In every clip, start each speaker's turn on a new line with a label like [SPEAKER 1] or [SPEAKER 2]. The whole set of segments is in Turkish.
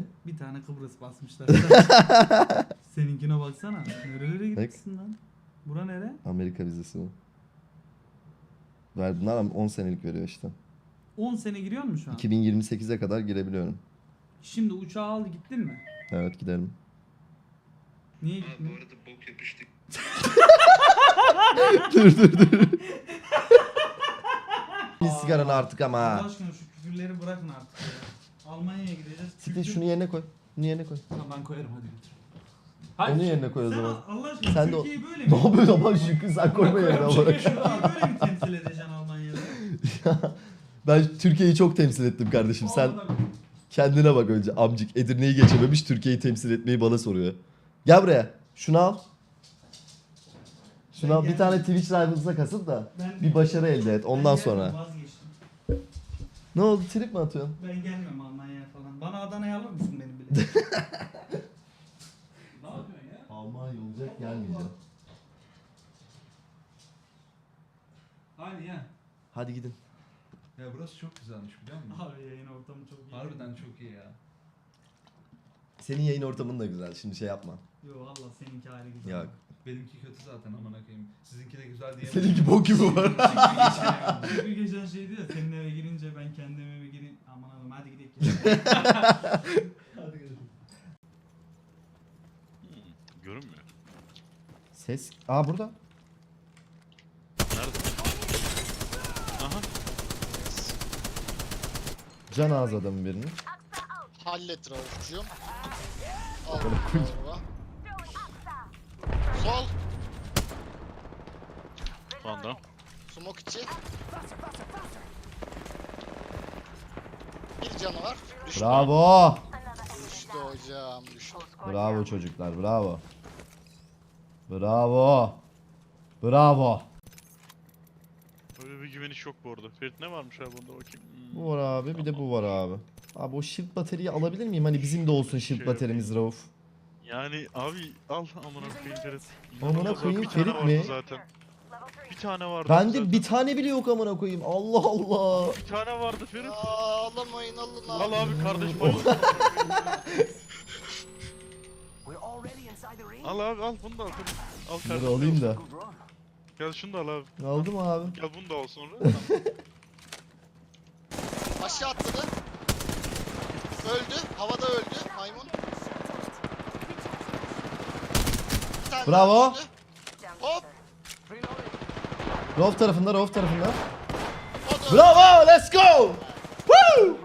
[SPEAKER 1] Ne?
[SPEAKER 2] Bir tane Kıbrıs basmışlar. Seninkine baksana. Nerelere gitmişsin lan? Bura nere?
[SPEAKER 1] Amerika vizesi bu. Verdiler ama 10 senelik veriyor işte.
[SPEAKER 2] 10 sene giriyor mu şu an?
[SPEAKER 1] 2028'e kadar girebiliyorum.
[SPEAKER 2] Şimdi uçağı al gittin mi?
[SPEAKER 1] Evet giderim.
[SPEAKER 2] Niye
[SPEAKER 3] Abi
[SPEAKER 2] gittin?
[SPEAKER 3] bu arada bok yapıştık.
[SPEAKER 1] dur. Bir sigaranı artık ama
[SPEAKER 2] Allah
[SPEAKER 1] ha.
[SPEAKER 2] aşkına şu küfürleri bırakın artık ya. Almanya'ya gideceğiz.
[SPEAKER 1] Siktir şunu yerine koy. Bunu yerine koy.
[SPEAKER 4] Tamam ben koyarım hadi götür.
[SPEAKER 1] Onu yerine koy o
[SPEAKER 2] Sen
[SPEAKER 1] zaman.
[SPEAKER 2] Allah aşkına
[SPEAKER 1] Sen de
[SPEAKER 2] Türkiye'yi böyle mi?
[SPEAKER 1] Ne yapıyorsun ama Şükrü sen koyma yerine olarak.
[SPEAKER 2] Türkiye'yi böyle mi temsil edeceksin Almanya'da?
[SPEAKER 1] Ben Türkiye'yi çok temsil ettim kardeşim. Sen kendine bak önce amcık. Edirne'yi geçememiş Türkiye'yi temsil etmeyi bana soruyor. Gel buraya. Şunu al. Şunu
[SPEAKER 2] Ben
[SPEAKER 1] al. Bir
[SPEAKER 2] geldim.
[SPEAKER 1] tane Twitch Rivals'a kasıp da
[SPEAKER 2] Ben-
[SPEAKER 1] bir başarı elde et. Ondan
[SPEAKER 2] Ben
[SPEAKER 1] sonra.
[SPEAKER 2] gelmem, vazgeçtim.
[SPEAKER 1] Ne oldu? Trip mi atıyorsun?
[SPEAKER 2] Ben gelmem Almanya'ya falan. Bana Adana'ya alır mısın benim bile?
[SPEAKER 4] Ne yapıyorsun ya?
[SPEAKER 1] Almanya olacak gelmeyeceğim.
[SPEAKER 4] Hadi ya.
[SPEAKER 1] Hadi gidin.
[SPEAKER 4] Ya burası çok güzelmiş biliyor musun?
[SPEAKER 2] Abi yayın ortamı çok iyi.
[SPEAKER 4] Harbiden çok iyi ya.
[SPEAKER 1] Senin yayın ortamın da güzel. Şimdi şey yapma.
[SPEAKER 2] Yo valla seninki ayrı güzel.
[SPEAKER 1] Yok.
[SPEAKER 4] Benimki kötü zaten amına koyayım. Sizinki de güzel diye.
[SPEAKER 1] Seninki bok gibi var.
[SPEAKER 2] Bir geçen şeydi ya senin eve girince ben kendim eve gireyim. Aman Allah'ım hadi gidelim.
[SPEAKER 4] Hadi gidelim.
[SPEAKER 5] Görünmüyor.
[SPEAKER 1] Ses. Aa burada.
[SPEAKER 5] Nerede? Aha.
[SPEAKER 1] Can ağız adamın birinin.
[SPEAKER 6] Hallet Rauf'cum. Al Rauf'a. Sol.
[SPEAKER 5] Panda.
[SPEAKER 6] Smoke içi. Bir canı var. Düştü.
[SPEAKER 1] Bravo.
[SPEAKER 6] Düştü hocam. Düştü.
[SPEAKER 1] Bravo çocuklar. Bravo. Bravo. Bravo.
[SPEAKER 5] Öyle bir güveniş yok bu arada. Ferit ne varmış abi bunda bakayım.
[SPEAKER 1] Bu var abi. Bir de bu var abi. Abi o shield bataryayı alabilir miyim? Hani bizim de olsun shield
[SPEAKER 5] Şey
[SPEAKER 1] bataryamiz Rauf.
[SPEAKER 5] Yani abi al amına koyayım Ferit.
[SPEAKER 1] Amına
[SPEAKER 5] İnanılmaz
[SPEAKER 1] koyayım,
[SPEAKER 5] bir tane
[SPEAKER 1] Ferit
[SPEAKER 5] vardı
[SPEAKER 1] mi?
[SPEAKER 5] Zaten. Bir tane vardı.
[SPEAKER 1] Bende
[SPEAKER 5] zaten.
[SPEAKER 1] bir tane bile yok amına koyayım. Allah Allah.
[SPEAKER 5] Bir tane vardı Ferit.
[SPEAKER 6] Aa, alamayın alın
[SPEAKER 5] Al
[SPEAKER 6] abi.
[SPEAKER 5] abi kardeş bayıl. Al abi al bunu da al Ferit. Al
[SPEAKER 1] Dur
[SPEAKER 5] kardeşim.
[SPEAKER 1] alayım da.
[SPEAKER 5] Gel şunu da al abi.
[SPEAKER 1] Aldım abi.
[SPEAKER 5] Gel bunu da al sonra.
[SPEAKER 6] Aşağı atladı. Öldü. Havada öldü. Maymun. Bir tane
[SPEAKER 1] Bravo.
[SPEAKER 6] daha düştü. Hop.
[SPEAKER 1] Rauf tarafında, Rauf tarafında.
[SPEAKER 6] O da
[SPEAKER 1] Bravo, let's go. Woo!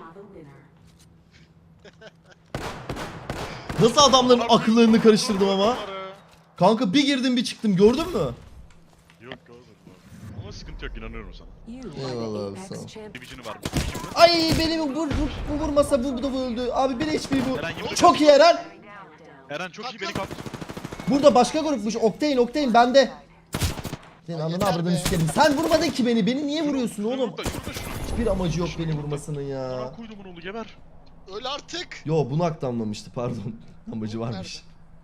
[SPEAKER 1] Nasıl adamların akıllarını karıştırdım ama. Kanka bir girdim bir çıktım gördün mü?
[SPEAKER 5] Yok görmedim abi. Ama sıkıntı yok inanıyorum sana.
[SPEAKER 1] Eyvallah abi, sağ ol.
[SPEAKER 5] Division'ı var.
[SPEAKER 1] Ay benim bu vurmasa bu da bu öldü. Abi bir HP bu.
[SPEAKER 5] Eren yumruk
[SPEAKER 1] Çok iyi Eren.
[SPEAKER 5] Eren çok iyi beni kaptı.
[SPEAKER 1] Burada başka grupmuş. Octane bende. Senin
[SPEAKER 6] Ay
[SPEAKER 1] ananı
[SPEAKER 6] yeter
[SPEAKER 1] avradını
[SPEAKER 6] be.
[SPEAKER 1] sikerim. Sen vurmadın ki beni. Beni niye vuruyorsun oğlum?
[SPEAKER 5] Şurada şunu.
[SPEAKER 1] Hiçbir amacı yok beni vurmasının ya.
[SPEAKER 5] Bana koydumun oğlu geber.
[SPEAKER 6] öl artık.
[SPEAKER 1] Yo bunu aktamlamıştı pardon. Amacı varmış.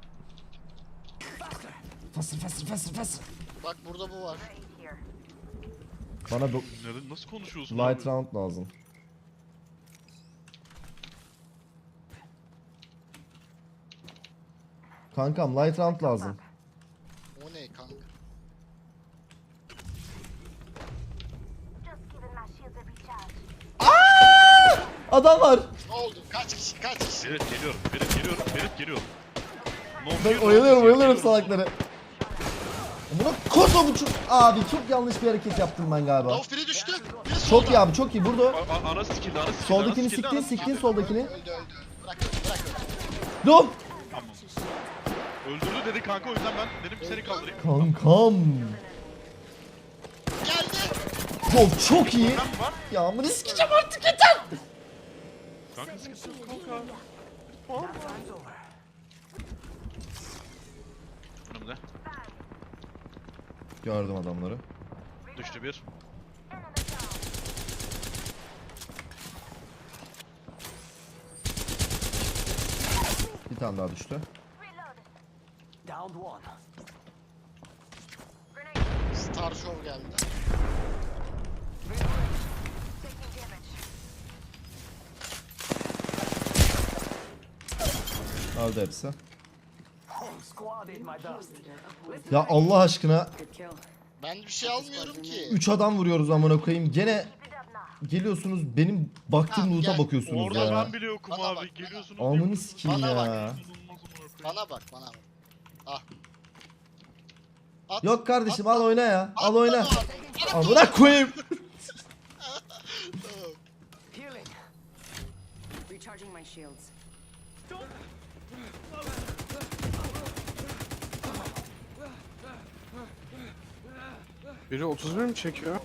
[SPEAKER 1] Fasır.
[SPEAKER 6] Bak burada bu var.
[SPEAKER 1] Bana bu
[SPEAKER 5] Neden, nasıl konuşuyorsun
[SPEAKER 1] light
[SPEAKER 5] abi?
[SPEAKER 1] round lazım. Kankam light round lazım.
[SPEAKER 6] O ne kanka?
[SPEAKER 1] Adam var.
[SPEAKER 6] Ne oldu? Kaç kişi? Kaç kişi?
[SPEAKER 5] Ferit geliyorum. Ferit geliyorum. No
[SPEAKER 1] Ben
[SPEAKER 5] fear, no
[SPEAKER 1] oyalıyorum
[SPEAKER 5] fear,
[SPEAKER 1] salakları. Buna koso bu çok... Abi çok yanlış bir hareket yaptım ben galiba.
[SPEAKER 6] Rauf biri düştü. Biri
[SPEAKER 1] Çok
[SPEAKER 6] solda.
[SPEAKER 1] iyi abi çok iyi. Burada
[SPEAKER 5] Ana skill'de ana skill'de.
[SPEAKER 1] soldakini
[SPEAKER 5] ana skill'de, ana
[SPEAKER 1] siktin
[SPEAKER 5] skill'de.
[SPEAKER 1] soldakini.
[SPEAKER 6] Öldü. Bırak bırak.
[SPEAKER 1] Dur.
[SPEAKER 5] Tamam. Öldürdü dedi kanka o yüzden ben dedim seni kaldırayım.
[SPEAKER 1] Kankam.
[SPEAKER 6] Geldi.
[SPEAKER 1] Çok iyi.
[SPEAKER 5] Ben var.
[SPEAKER 1] Ya amına sikeceğim artık yeter.
[SPEAKER 5] Kanka sıkıntı yok kanka. Var. Önümde.
[SPEAKER 1] Gördüm adamları.
[SPEAKER 5] Düştü bir.
[SPEAKER 1] Bir tane daha düştü.
[SPEAKER 6] Star Show geldi.
[SPEAKER 1] Öldü hepsi. Ya Allah aşkına
[SPEAKER 6] Ben bir şey almıyorum ki.
[SPEAKER 1] 3 adam vuruyoruz amına koyayım. Gene geliyorsunuz benim baktığım
[SPEAKER 6] Tamam,
[SPEAKER 1] loot'a
[SPEAKER 6] gel.
[SPEAKER 1] bakıyorsunuz
[SPEAKER 5] Orada
[SPEAKER 1] ya.
[SPEAKER 5] ben bile yokum
[SPEAKER 6] Bana
[SPEAKER 5] abi.
[SPEAKER 6] bak,
[SPEAKER 5] Geliyorsunuz.
[SPEAKER 1] Amını sikeyim
[SPEAKER 6] Bana bak.
[SPEAKER 1] ya.
[SPEAKER 5] İnanılmaz amına koyayım.
[SPEAKER 6] Bana bak. Ah. At.
[SPEAKER 1] Yok kardeşim
[SPEAKER 6] At
[SPEAKER 1] al
[SPEAKER 6] lan.
[SPEAKER 1] oyna ya.
[SPEAKER 6] At
[SPEAKER 1] Al
[SPEAKER 6] lan
[SPEAKER 1] oyna.
[SPEAKER 6] o adamı.
[SPEAKER 1] Amına koyayım.
[SPEAKER 6] Tamam.
[SPEAKER 3] Healing. Recharging my shields.
[SPEAKER 7] Biri 31 mi çekiyor?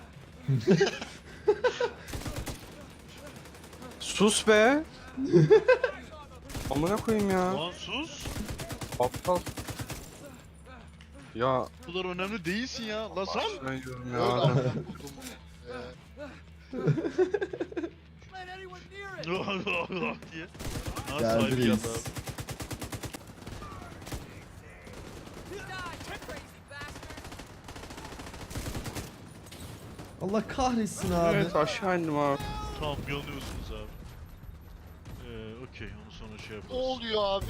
[SPEAKER 7] Sus be. Amına koyayım ya.
[SPEAKER 5] Lan sus.
[SPEAKER 7] Aptal. Ya
[SPEAKER 5] Bu kadar önemli değilsin ya. Lan sen.
[SPEAKER 7] ben diyorum
[SPEAKER 6] Öyle
[SPEAKER 7] ya.
[SPEAKER 6] amına koydum.
[SPEAKER 5] diye. Ha,
[SPEAKER 1] Geldi
[SPEAKER 5] sahibi
[SPEAKER 1] reis.
[SPEAKER 5] geldi abi.
[SPEAKER 1] Allah kahretsin abi.
[SPEAKER 7] Evet aşağı indim abi.
[SPEAKER 5] Tamam yanıyorsunuz abi. Okey onu sonra şey
[SPEAKER 6] Ne
[SPEAKER 5] yaparız.
[SPEAKER 6] oluyor abi?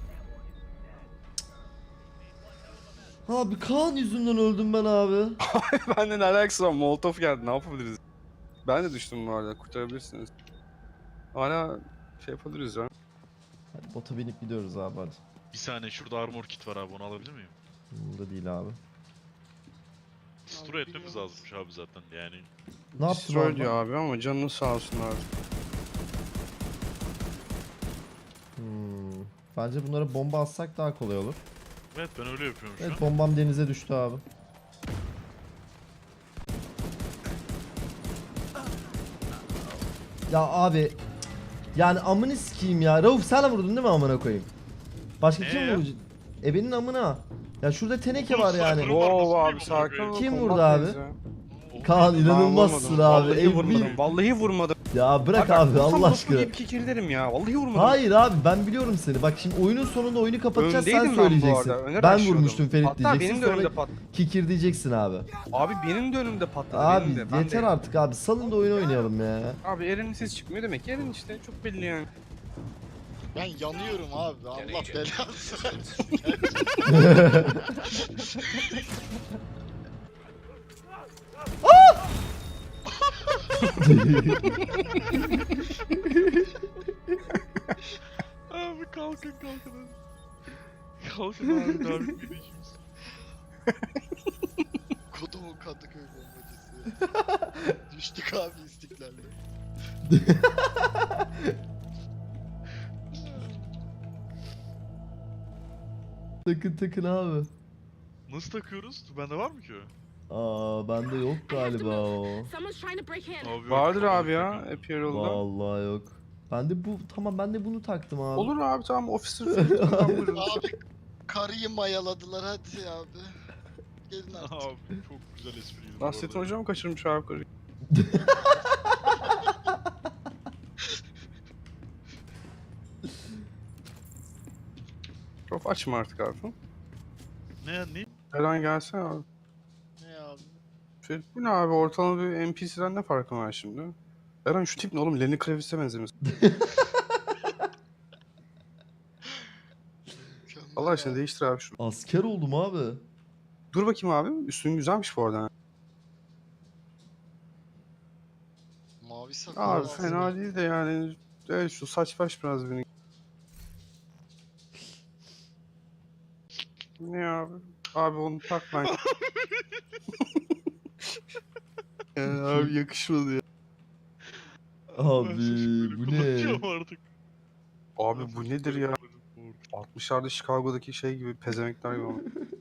[SPEAKER 1] Abi Kaan yüzünden öldüm ben abi.
[SPEAKER 7] Benden alakası var. Molotov geldi. Ne yapabiliriz? Ben de düştüm bu arada. Kurtarabilirsiniz. Hala şey yapabiliriz ya.
[SPEAKER 1] Hadi bota binip gidiyoruz abi hadi.
[SPEAKER 5] Bir saniye şurada armor kit var abi onu alabilir miyim?
[SPEAKER 1] Bunda değil abi.
[SPEAKER 5] Destroy etmemiz lazımmış abi zaten yani.
[SPEAKER 1] Ne yaptın
[SPEAKER 7] Destroy
[SPEAKER 1] abi?
[SPEAKER 7] diyor abi ama canınız sağ olsun abi.
[SPEAKER 1] Bence bunlara bomba atsak daha kolay olur.
[SPEAKER 5] Evet ben öyle yapıyorum şu
[SPEAKER 1] Evet
[SPEAKER 5] an.
[SPEAKER 1] bombam denize düştü abi. Ya abi yani amını sikeyim ya. Rauf sen vurdun değil mi amına koyayım? Başka kim
[SPEAKER 5] ya?
[SPEAKER 1] vuracak? Ebenin amına. Ya şurada teneke
[SPEAKER 5] Oğlum,
[SPEAKER 1] var yani.
[SPEAKER 5] sniper var.
[SPEAKER 7] Wow abi
[SPEAKER 5] nasıl
[SPEAKER 7] sakin
[SPEAKER 5] bileyim
[SPEAKER 7] ol.
[SPEAKER 1] Kim
[SPEAKER 7] combat
[SPEAKER 1] vurdu abi?
[SPEAKER 7] neyiz ya?
[SPEAKER 1] Kaan
[SPEAKER 7] Ben
[SPEAKER 1] inanılmazsın
[SPEAKER 7] vurmadım.
[SPEAKER 1] abi.
[SPEAKER 7] Vallahi
[SPEAKER 1] Ev
[SPEAKER 7] vurmadım.
[SPEAKER 1] bir-
[SPEAKER 7] Vallahi vurmadım.
[SPEAKER 1] Ya bırak
[SPEAKER 7] Bak,
[SPEAKER 1] abi
[SPEAKER 7] vursam
[SPEAKER 1] Allah
[SPEAKER 7] lafı
[SPEAKER 1] aşkına.
[SPEAKER 7] deyip kikirderim ya. Vallahi vurmadım.
[SPEAKER 1] Hayır abi ben biliyorum seni. Bak şimdi oyunun sonunda oyunu kapatacağız sen
[SPEAKER 7] Öndeydim ben bu
[SPEAKER 1] söyleyeceksin.
[SPEAKER 7] arada, öne
[SPEAKER 1] Ben
[SPEAKER 7] rushlıyordum.
[SPEAKER 1] vurmuştum Ferit
[SPEAKER 7] Hatta
[SPEAKER 1] diyeceksin
[SPEAKER 7] benim de
[SPEAKER 1] sonra
[SPEAKER 7] önümde patladı.
[SPEAKER 1] kikir diyeceksin abi.
[SPEAKER 7] Abi benim de önümde patladı.
[SPEAKER 1] Abi
[SPEAKER 7] benim de. Ben
[SPEAKER 1] yeter
[SPEAKER 7] de.
[SPEAKER 1] artık abi salın da oyun oynayalım ya.
[SPEAKER 7] Abi Eren'in ses çıkmıyor demek ki Eren işte çok belli yani.
[SPEAKER 6] Ben yanıyorum abi. Allah belanı versin.
[SPEAKER 5] Abi kalkın kalkın. Kalkın abi daha bitmedi işimiz.
[SPEAKER 6] Kodumun Kadıköy bombacısı. Düştük abi istiklalde.
[SPEAKER 1] Takın takın abi.
[SPEAKER 5] Nasıl takıyoruz? Bende var mı ki o?
[SPEAKER 1] Aa bende yok galiba o.
[SPEAKER 3] Someone's trying to break in.
[SPEAKER 5] Abi yok,
[SPEAKER 7] Vardır
[SPEAKER 5] tamam,
[SPEAKER 7] abi ya
[SPEAKER 5] takıyorum.
[SPEAKER 7] Apparel'da.
[SPEAKER 1] Vallahi yok. Ben de bu tamam ben de bunu taktım abi.
[SPEAKER 7] Olur abi tamam officer falan buyurun.
[SPEAKER 6] Abi karıyı mayaladılar hadi abi. Gelin artık.
[SPEAKER 5] Abi çok güzel espriydi. bu
[SPEAKER 7] Nasrettin
[SPEAKER 5] arada.
[SPEAKER 7] hocam kaçırmış abi karıyı. Çok açma artık abi.
[SPEAKER 5] Ne?
[SPEAKER 7] Eren gelsene abi.
[SPEAKER 6] Ne abi?
[SPEAKER 7] Ferit bu ne abi ortalama bir NPC'den ne farkı var şimdi? Eren şu tip ne oğlum Lenny Kravitz'e benzemiş.
[SPEAKER 6] Mükemmel
[SPEAKER 7] Allah aşkına
[SPEAKER 6] abi.
[SPEAKER 7] değiştir abi şunu.
[SPEAKER 1] Asker oldum abi.
[SPEAKER 7] Dur bakayım abi üstün güzelmiş bu arada.
[SPEAKER 6] Mavi sakal
[SPEAKER 7] Abi
[SPEAKER 6] lazım.
[SPEAKER 7] fena değil de yani evet şu saç baş biraz beni. Ne abi? Abi onu takma. Yani abi yakışmadı ya.
[SPEAKER 1] Abi
[SPEAKER 5] Ben sesimi böyle
[SPEAKER 1] bu ne?
[SPEAKER 5] kullanacağım artık.
[SPEAKER 7] Abi
[SPEAKER 5] Ben
[SPEAKER 7] bu
[SPEAKER 5] sesimi
[SPEAKER 7] nedir
[SPEAKER 5] böyle
[SPEAKER 7] ya?
[SPEAKER 5] kullanacağım.
[SPEAKER 7] 60'larda Chicago'daki şey gibi pezemekler gibi.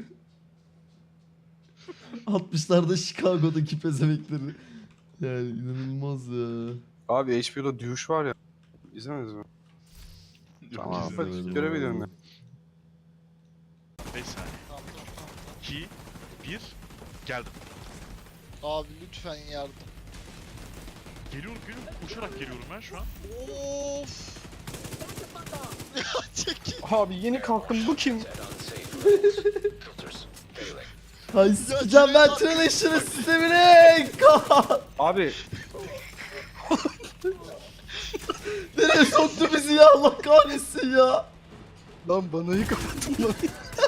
[SPEAKER 1] 60'larda Chicago'daki pezemekleri. Yani inanılmaz ya.
[SPEAKER 7] Abi HBO'da Douche var ya. İzlemediniz mi?
[SPEAKER 5] Yok,
[SPEAKER 7] Tamam,
[SPEAKER 5] izlemedim.
[SPEAKER 7] hadi görev ediyorum ya.
[SPEAKER 5] 5 saniye.
[SPEAKER 6] Tamam, tamam,
[SPEAKER 5] 2, 1, geldim.
[SPEAKER 6] tamam. Abi lütfen yardım.
[SPEAKER 5] Geliyorum. Koşarak geliyorum ben şu an.
[SPEAKER 6] Of. Ya çekil.
[SPEAKER 7] Abi yeni kalktım bu kim?
[SPEAKER 1] Hay sikeceğim ben Trination'ın sistemini. Kaan!
[SPEAKER 7] Abi
[SPEAKER 1] Nereye soktu bizi ya Allah kahretsin ya.
[SPEAKER 7] Lan banayı kapattım lan.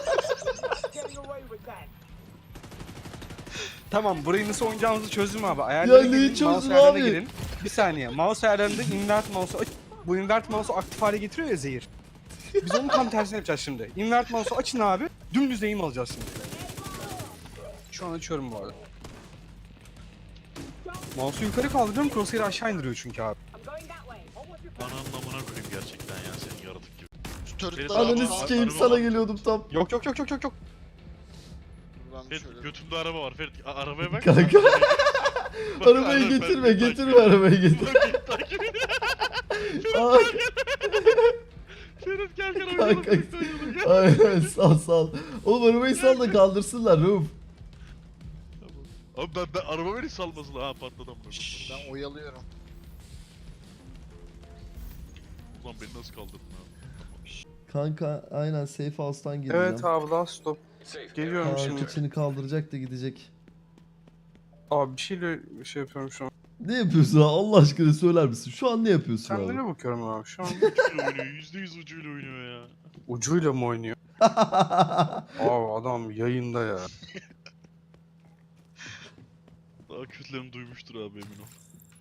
[SPEAKER 7] Tamam, burayı nasıl oynayacağımızı çözdüm abi. Ayarlara
[SPEAKER 1] Ya neyi
[SPEAKER 7] girin,
[SPEAKER 1] çözdün
[SPEAKER 7] mouse ayarlarına
[SPEAKER 1] abi?
[SPEAKER 7] girin. Bir saniye. Mouse ayarlarında invert mouse'u aç. Bu invert mouse'u aktif hale getiriyor ya zehir. Biz onun tam tersini yapacağız şimdi. Invert mouse'u açın abi. Dümdüz eğim alacağız şimdi. Şu an açıyorum bu arada. Mouse'u yukarı kaldırıyorum, crosshair'ı aşağı indiriyor çünkü abi.
[SPEAKER 5] Ananın amına koyayım gerçekten ya senin yaratık gibi.
[SPEAKER 6] Şu turretları
[SPEAKER 5] Tamam,
[SPEAKER 1] Ananı
[SPEAKER 5] tamam.
[SPEAKER 1] sikeyim
[SPEAKER 5] Araba
[SPEAKER 1] sana
[SPEAKER 5] var.
[SPEAKER 1] geliyordum tam.
[SPEAKER 7] Yok.
[SPEAKER 6] Buradan
[SPEAKER 5] Ferit
[SPEAKER 6] şöyle.
[SPEAKER 5] götümde araba var. Ferit arabaya bak.
[SPEAKER 1] Kanka.
[SPEAKER 5] Bak,
[SPEAKER 1] Arabayı
[SPEAKER 5] araba-
[SPEAKER 1] getirme
[SPEAKER 5] Ferit,
[SPEAKER 1] getirme
[SPEAKER 5] takip et.
[SPEAKER 1] arabayı getir.
[SPEAKER 5] Bak, takip et.
[SPEAKER 1] Ay,
[SPEAKER 5] Ferit gel
[SPEAKER 1] Kanka.
[SPEAKER 5] oynayalım. birlikte oynayalım, gel.
[SPEAKER 1] ay, sal. Oğlum arabayı sal da kaldırsınlar Rauf.
[SPEAKER 5] Abi ben araba beni salmasın ha patladı amına.
[SPEAKER 6] Ben oyalıyorum.
[SPEAKER 5] Ulan beni nasıl kaldırdın abi?
[SPEAKER 1] Kanka aynen safe house'tan gireceğim.
[SPEAKER 7] Evet abi, last stop. Geliyorum
[SPEAKER 1] Kaan
[SPEAKER 7] şimdi.
[SPEAKER 1] kıçını kaldıracak da gidecek.
[SPEAKER 7] Abi bir şeyle şey yapıyorum şu an.
[SPEAKER 1] Ne yapıyorsun ha? Allah aşkına söyler misin? Şu an ne yapıyorsun
[SPEAKER 7] Sen
[SPEAKER 1] abi?
[SPEAKER 7] nereye bakıyorum abi şu an?
[SPEAKER 5] Ucuyla oynuyor. %100 ucuyla oynuyor ya.
[SPEAKER 7] Ucuyla mı oynuyor? Abi adam yayında ya.
[SPEAKER 5] Daha kötülerini duymuştur abi emin ol.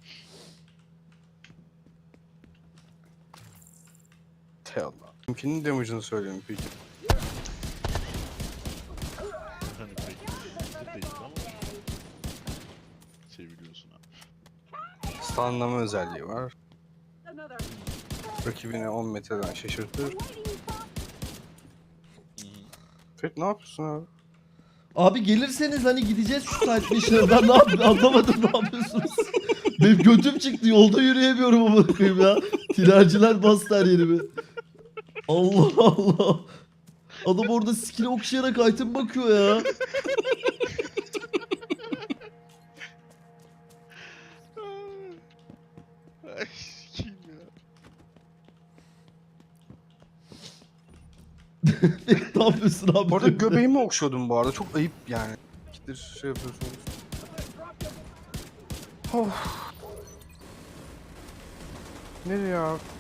[SPEAKER 7] Te Allah. Kimkinin damage'ını söyleyeyim peki.
[SPEAKER 5] Hani pek de değil ama seviliyorsun abi.
[SPEAKER 7] Stunlama özelliği var. Rakibini 10 metreden şaşırtır. Ferit ne yapıyorsun abi?
[SPEAKER 1] Abi gelirseniz hani gideceğiz şu side mission'a. Ben ne yapayım anlamadım ne yapıyorsunuz? Benim götüm çıktı yolda yürüyemiyorum ama koyayım ya. Tinerciler bastı her yerimi. Allah Allah. Adam orada skill'e okşayarak item bakıyor ya.
[SPEAKER 5] Ay sikeyim ya.
[SPEAKER 1] Ne yapıyorsun abi?
[SPEAKER 7] Bu arada göbeğimi okşuyordum bu arada. Çok ayıp yani. Gittir şey yapıyorsunuz. Of. Nereye ya?